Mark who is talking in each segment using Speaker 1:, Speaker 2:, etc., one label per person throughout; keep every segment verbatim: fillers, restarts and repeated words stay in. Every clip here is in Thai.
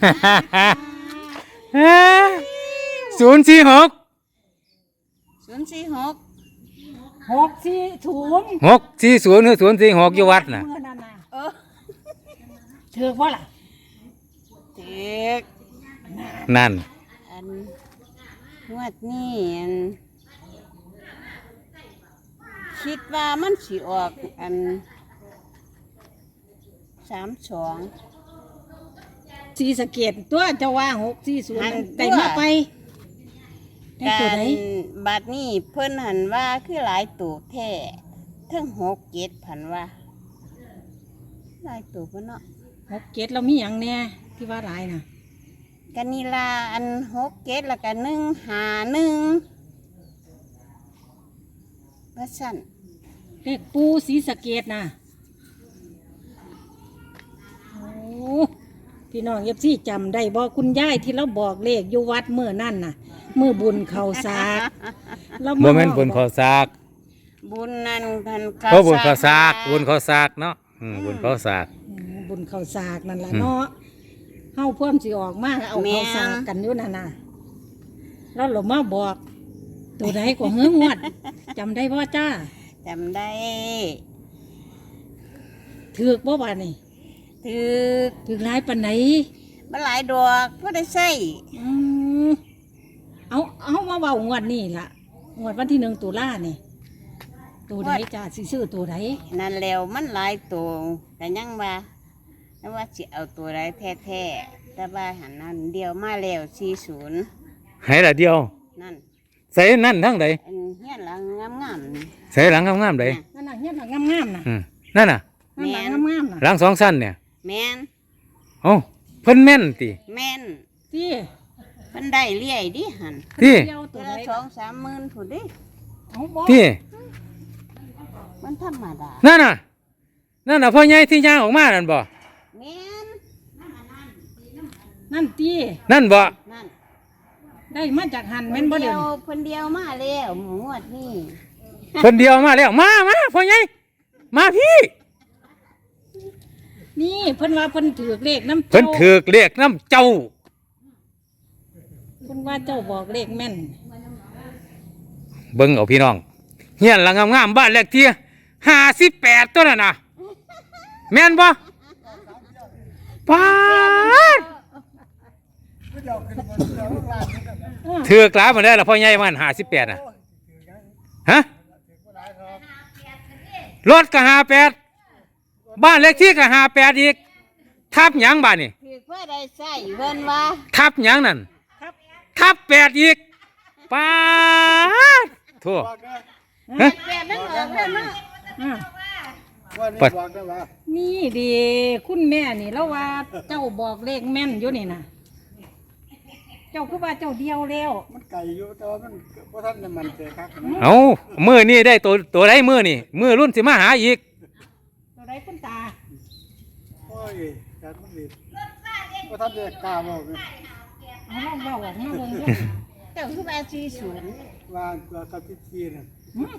Speaker 1: ศูนย์สี่หก
Speaker 2: ศูนย์สี่หก
Speaker 3: หกสี่ศูนย์
Speaker 1: หกสี่ศูนย์หรือศูนย์สี่หกอยู่วัดน่ะ
Speaker 2: เออ
Speaker 3: ถือว่าล่ะ
Speaker 2: ถือ
Speaker 1: นั่น
Speaker 2: อันงวดนี้อันคิดว่ามันสิออกอันสามสอง
Speaker 3: สีสะเกตตัวจะว่าหกสี่ศูนย์แต่มาไปได้ตัวไหน
Speaker 2: บัดนี้เพิ่นหันว่าคือหลายตัวแท้ทั้งหกเจ็ดพันว่าหลายตัวเพิ่นเนาะ
Speaker 3: หกเจ็ดเรามีอย่างแน่ที่ว่าหลายน่ะ
Speaker 2: กันนีลาอันหกเจ็ดแล้วกันหนึ่งหาหนึ่งว่าสั่น
Speaker 3: เลขปูสีสะเกตน่ะโอ้พี่น้องเอฟซีจำได้บอกคุณยายที่เราบอกเลขอยู่วัดเมื่อนั่นน่ะมือบุญเขาสาก
Speaker 1: โมเมนต์บุญเขาสาก
Speaker 2: บุญนั่นพัน
Speaker 1: เขาบุญเขาสากบุญเขาสากเนาะบุญเขาสาก
Speaker 3: บุญเขาสากนั่นแหละเนาะเฮาเพิ่มสิออกมากเอาเขาสากกันอยู่นั่นน่ะแล้วหลวงมาบอกตัวไหนกว่าเฮืองวดจำได้พ่อจ้า
Speaker 2: จำได้
Speaker 3: ถือกบ่บาดนี่
Speaker 2: ถือ
Speaker 3: ถือหลายปานไหน
Speaker 2: มันหลายดอกก็ได้ใส่
Speaker 3: เอาเอามาเบางวดนี่ล่ะงวดวันที่หนึ่งตุลาเนี่ยตัวไหนจ้าสิซื้อตัวไหน
Speaker 2: นั่นแล้วมันหลายตัวแต่ยังว่าแต่ว่าสิเอาตัวไหนแท้ๆแต่ว่าหันนั่นเดียวมาแล้วสี่ศูนย์
Speaker 1: ให้ละเดียว
Speaker 2: นั่น
Speaker 1: ใส่นั่นทั้งใด
Speaker 2: เฮี้ยนหลังงาม
Speaker 1: ๆใส่หลังงามๆใด
Speaker 3: นั่นน่ะเฮี้ยนหลังงามๆน่ะ
Speaker 1: นั่นน่ะ
Speaker 3: นั่นหลังงามๆน่ะ
Speaker 1: หลังสองสั้นเนี่ย
Speaker 2: แม่น
Speaker 1: โอ้เพิ่นแม่นติ
Speaker 2: แม่น
Speaker 3: ที่
Speaker 2: เพิ่นได้เลี้ยดิหัน
Speaker 1: ที่
Speaker 2: ตัวละสองสามหมื่นถูกดิ
Speaker 1: ที่
Speaker 2: มันธรรมดา
Speaker 1: นั่นน่ะนั่นน่ะพ่อใหญ่ที่ย่างออกมานั่นบ่
Speaker 2: แม่น
Speaker 3: นั่นที่
Speaker 1: นั่นบ่
Speaker 2: นั่น
Speaker 3: ได้มาจากหันแม่นบ่เดียว
Speaker 2: เพิ่นเดียวมาแล้วงวดนี้
Speaker 1: เพิ่นเดียวมาแล้วมามาพ่อใหญ่มาพี่
Speaker 3: นี่เพิ่นว่าเพิ่นถือเลขน้ำ
Speaker 1: เพิ่นถือเลขน้ำเจ้า
Speaker 3: เพิ่นว่าเจ้าบอกเลขแม่น
Speaker 1: เบิ่งเอาพี่น้องเฮียนหลังงามๆบ้านเลขที่ห้าสิบแปดตัวน่ะนะแม่นบ่ป้าดถือกลาเหมือนได้ละพ่อใหญ่มันห้าสิบแปดน่ะฮะรถก็ห้าแปดบ้านเลขที่ก็ห้าแปดอีกทับหยังบ้านนี่
Speaker 2: ถือเพื่อได้ใส่เพิ่นว่า
Speaker 1: ทับหยังนั่นทับแปดอีกป้าดทั่ว
Speaker 2: แปดนั่นออกแล้วเนาะ
Speaker 1: ปัด
Speaker 3: นี่ดีคุณแม่นี่แล้วว่าเจ้าบอกเลขแม่นอยู่นี่นะเจ้าคือว่าเจ้าเดียวแล้ว
Speaker 4: มันไก่อยู่แต่ว่ามันเพราะท่านมันเจอครับ
Speaker 1: เอามือนี่ได้ตัวตัวไรมือนี่มือรุ่นสิมาหาอีก
Speaker 3: ตัวไรคุณตา
Speaker 4: โอ้ยการมันดีเพราะท่านจะกล้าบอกเลย
Speaker 3: เอาลองเบาออกมาเบิ่งดู
Speaker 2: เจ้าคือว่าสี่ศูนย์
Speaker 4: ว่าตัวกับพิธีน่ะ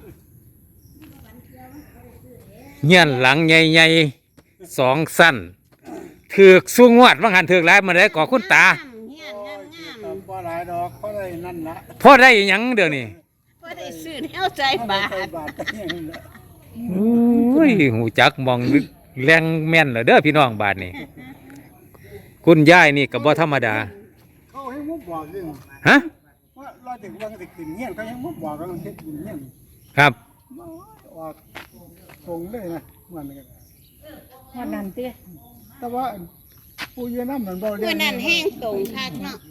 Speaker 1: เงี้ยหลังใหญ่ๆสองสั้นถือกสูงวดว่างหันถือกแล้วมันได้ก่อคุณตา
Speaker 4: พอหลายดอกพอได้นั่นละ
Speaker 1: พอได้ยังเดี๋ยวนี้
Speaker 2: พอได้ซื้อแนวใจบาท
Speaker 1: โอ้ยหูจักมองแรงแม่นเหรอเด้อพี่น้องบาทนี่คุณยายนี่กับบ่ธรรมดา
Speaker 4: เขาให้มุกบอกด้วย
Speaker 1: ฮะ
Speaker 4: ว่าเราถึงวันจะขึ้นเงี้ยเขาให้มุกบอกเราเช็ดเงี้ย
Speaker 1: ครับ
Speaker 4: ว่าตรงเลยนะมันกัน
Speaker 3: วันนั้นเตี้ย
Speaker 4: แต่ว่าปูเยน้ำเหมือนบ่
Speaker 2: เมื่อนั้นแห้งตรงคักเนาะ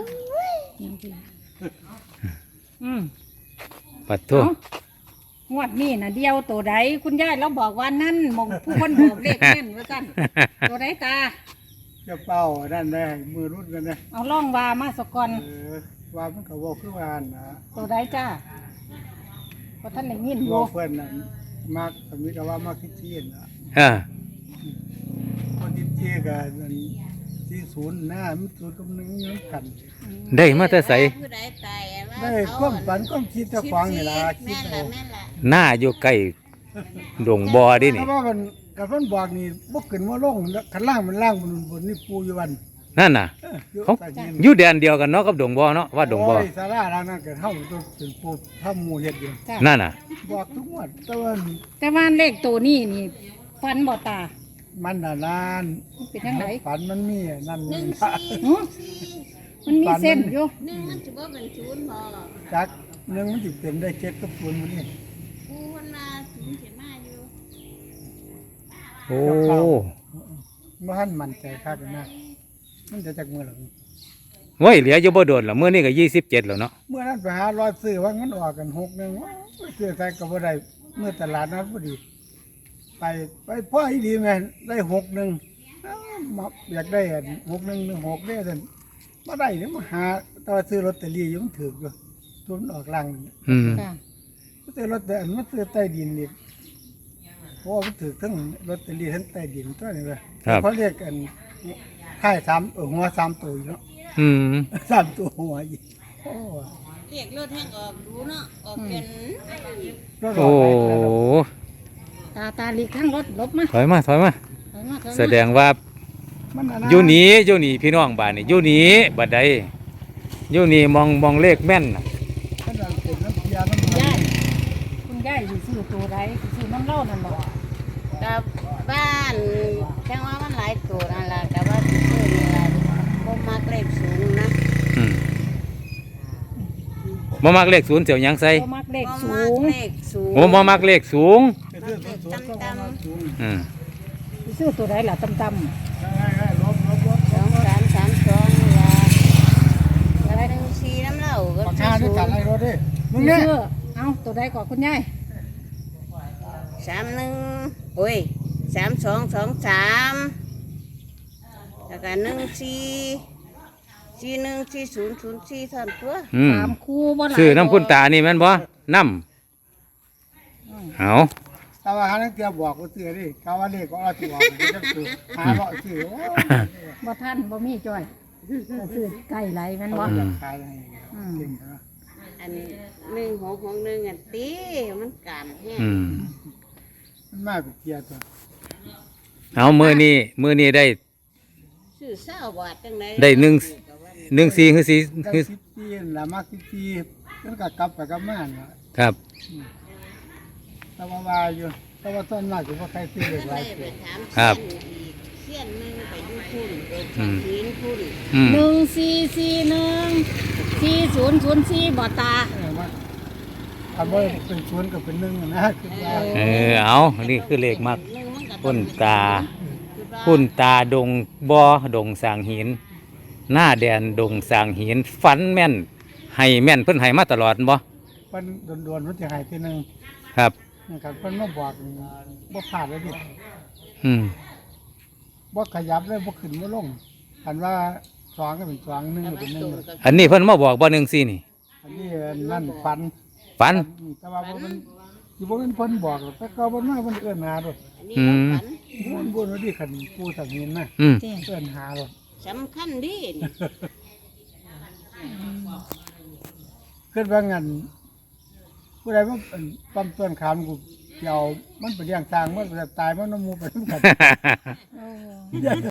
Speaker 3: อืม
Speaker 1: ปัดทั่ว
Speaker 3: งวดนี้นะเดียวตัวใดคุณยายเราบอกว่านั่นมองผู้คนบอกเลขแม่นว่ากันตัวใดตา
Speaker 4: จะเป่าด้านได้มือรุ่นกันนะ
Speaker 3: เอาล่องวามาสกอน
Speaker 4: ว่ามันก็บอกคือวานนะ
Speaker 3: ตัวใดจ้าเพราะท่านได้ยินอยู่
Speaker 4: เพื่อนน่ะมากสมิธว่ามาคิดเชี่ยนนะ
Speaker 1: อ่า
Speaker 4: คนคิดเชี่ยกันที่ศูนย์หน้ามิศูนย์กำนึงย้อนกัน
Speaker 1: ได้มาแต่ใส
Speaker 4: ได้ก้มฝันก้มคิดจะฟังนี่ล่ะคิดเอา
Speaker 1: หน้าอยู่ใกล้ดงบ่อดินี่
Speaker 4: เพราะว่ามันกับมันบอกนี่บกขึ้นว่าลงขันล่างมันล่างบนบนนี่ปูอยู่วัน
Speaker 1: นั่นน่ะ
Speaker 4: เอออยู่
Speaker 1: เขา
Speaker 4: ใต้ดิน
Speaker 1: อยู่แดนเดียวกันเนาะกับดงบ่เนาะว่าดงบ่
Speaker 4: โอ้ยสาราหลังนั้นก็เท่าตัวเป็นปูถ้าหมู่เฮ็ดอยู่
Speaker 3: จ้ะ
Speaker 1: นั่นน่ะ
Speaker 4: บอกทุกงวันแต่ว่า
Speaker 3: แต่ว่าเลขตัวนี้นี่ฟันบ่ตา
Speaker 4: มันน่ะนาน
Speaker 3: มันเป็นจังได
Speaker 4: ฝันมันมีนั่น
Speaker 2: หนึ่ง
Speaker 4: นี่
Speaker 2: สี่
Speaker 3: หึมันมีเส้นอยู่
Speaker 2: หนึ่งมันจะว่าเป็นศูนย์พอ
Speaker 4: จักหนึงมันสิเป็นได้เจ็ดกับศูนย์มื้อนี้
Speaker 2: กูมันมาศูนย์เสียมาอยู่
Speaker 1: โอ้
Speaker 4: บ่ทันมั่นใจคักนะมันจะจักมื้อหลัง
Speaker 1: โว้ยเหลืออยู่บ่โดนแล้วมื้อนี้ก็ยี่สิบเจ็ดแล้วเนาะ
Speaker 4: เมื่อนั้นไปหารอยซื้อว่ามันออกกันหกหนึงว้าวซื้อใส่ก็บ่ได้เมื่อตลาดนัดพอดี ไปไปพ่ออีดีแม่นได้หกหนึงอ้าวมาอยากได้อันหกหนึงหนึ่งหกได้ซั่นบ่ได้เดี๋ยวมาหาแตว่าซื้อลอตเตอรี่อยู่มันถูกอยู่ทุนออกลัง
Speaker 1: อืม
Speaker 3: ค่ะ
Speaker 4: ซื้อรถแต่อันมันซื้อใต้ดินอีกเพราะว่ามันถือทั้งลอตเตอรี่ทั้งใต้ดินตัวนี้เลย
Speaker 1: ครับ
Speaker 4: เขาเรียกกันค่ายสามเออหัวสามตัวอีกเนาะ
Speaker 1: อืม
Speaker 4: สามตัวหัวอีกโอ้
Speaker 2: เรียกรถแห้งออกดูเนาะออกเป็น
Speaker 4: รถ
Speaker 1: โอ้
Speaker 4: ออกไปแล้ว
Speaker 3: ตาตาหลีกข้างรถหลบมา
Speaker 1: ถอยมาถอยมา
Speaker 3: ถอยมาถอยมา
Speaker 1: แสดงว่า
Speaker 4: มันน่ะะ
Speaker 1: อยู่นี่อยู่นี่พี่น้องบ้านนี่อยู่นี่บัดใดอยู่นี่มองมองเลขแม่นน่ะ
Speaker 4: มันน่ะเป็นน้ำเพียน้ำมัน
Speaker 3: ยายคุณยายสิซื้อตัวใดสิซื้อน้ำเหล้านั่นบ่
Speaker 2: กับบ้านแค่ว่ามันหลายตัวนั่นแหละแต่ว่าที่ซื้อนี่แหละบ่มักเลขสูงนะ
Speaker 1: อืมบ่มักเลขศูนย์เสียวหยังใส่
Speaker 3: บ่มักเลข
Speaker 2: บ่
Speaker 3: สู
Speaker 2: มัก
Speaker 3: ง
Speaker 2: เลขสูง
Speaker 1: โอ้บ่มักเลขสูง
Speaker 4: ไปซื้อศูนย์ศูนย์ก็ประมาณศูนย์
Speaker 1: อืม
Speaker 3: สิซื้อตัวใดล่ะต่ำ
Speaker 4: ให้ๆลบลบลบ
Speaker 2: สองสามสามสองนี่ล่ะแล้วหนึ่งสี่น้ำเหล้าก็
Speaker 4: ปาก
Speaker 2: ซื้
Speaker 4: กา
Speaker 2: อ
Speaker 4: ด้วย
Speaker 2: ศู
Speaker 4: กัน
Speaker 2: น
Speaker 4: ไอ้
Speaker 2: ย์
Speaker 4: รถดิ
Speaker 3: ๆ
Speaker 4: มึงเนี่ย
Speaker 3: ซื้อเอาตัวใดก่อนคุณยาย
Speaker 2: สามหนึ่งโอ้ยสามสองสองสามแล้วก็หนึ่งสี่สี่หนึ่งสี่ศูนย์ศูนย์สี่เท่านั้นตัว
Speaker 1: อืม
Speaker 3: สามคู่บ่หลาย
Speaker 1: ซื้อน้ำพุ่นตานี่แม่นบ่น้ำเอา
Speaker 4: แต่ว่าหานักเตียบอกว่าซื้อดิกาว่าเลขก็เอาสิบอกมันจะซื้อหาเลาะซื้อโอ้ย
Speaker 3: บ่ทันบ่มีจ้อยก็ซื้อไก่ไหลแม่นบ่
Speaker 4: เขาอยากขายให้
Speaker 3: อืม
Speaker 4: เก่งนะ
Speaker 2: อันหนึ่งหกหกหนึ่งอันตีมันการแห้ง
Speaker 1: อืม
Speaker 4: มันมาเป็นเกียร์ตัว
Speaker 1: เอามื้อนี้มื้อนี้ได้
Speaker 2: ซื้อเศร้าบาทจังได
Speaker 1: ได้หนึ่ง หนึ่งสี่คือสี่
Speaker 4: ได้
Speaker 1: คือ
Speaker 4: สิบปีนั่นละมากสิบปีมันก็กลับไปกลับมาน่ะ
Speaker 1: ครับ
Speaker 4: แต่ว่าว่าอยู่แต่ว่าต้นมากคือว่าใครซื้อเลขหลาย
Speaker 2: ไป
Speaker 4: ตัว
Speaker 2: ถาม
Speaker 1: ครับ
Speaker 2: เสี้ยนหนึ่งไปอยู่คุณไป
Speaker 1: อืม
Speaker 2: หินคุณ
Speaker 1: อืม
Speaker 3: หนึ่งสี่สี่หนึ่งสี่ศูนย์ศูนย์สี่บ่ตา
Speaker 4: เออว่าทำว่าเป็นสวนกับเป็นหนึ่งนะคือว่า
Speaker 1: เออเอานี่คือเลขมัก
Speaker 2: หนึ่งมันก็
Speaker 1: พุ่นตา
Speaker 2: คือว่า
Speaker 1: พุ่นตาดงบ่อดงสร้างหิน หน้าแดนดงสร้างหินฝันแม่นให้แม่นเพิ่นให้มาตลอดบ่
Speaker 4: เพิ่นโดนๆมันจะหายทีหนึง
Speaker 1: ครับ
Speaker 4: นะครับเพิ่นมาบอกนี่บ่พลาดเลยดิ
Speaker 1: อืม
Speaker 4: บ่ขยับเลยบ่ขึ้นบ่ลงอันว่าสองก็เป็นสองหนึ่งก็เป็นหนึ่ง
Speaker 1: อันนี้เพิ่นมาบอกบ่หนึ่งสี่นี่
Speaker 4: อันนี้นั่นฟัน
Speaker 1: ฝัน
Speaker 4: แต่ว่าบ่มันสิบ่เป็นเพิ่นบอกหรอกแต่เขาบ่มาเพิ่นเอื้อนหาดอก
Speaker 2: อันนี้
Speaker 1: อืม
Speaker 2: เราฝัน
Speaker 4: บ่บ่ดีคันผู้ทางนี้นะ
Speaker 1: อืม
Speaker 3: เจ้
Speaker 4: เอื้อนหาดอก
Speaker 2: สำคัญดีนี่
Speaker 4: คิดว่างั้นผู้ใดมาเอิ่นปั๊มต้นขามกูเกี่ยวมันไปเลี้ยงทางมันไปตายมันน้ำมูไปนำกัน
Speaker 3: โอ้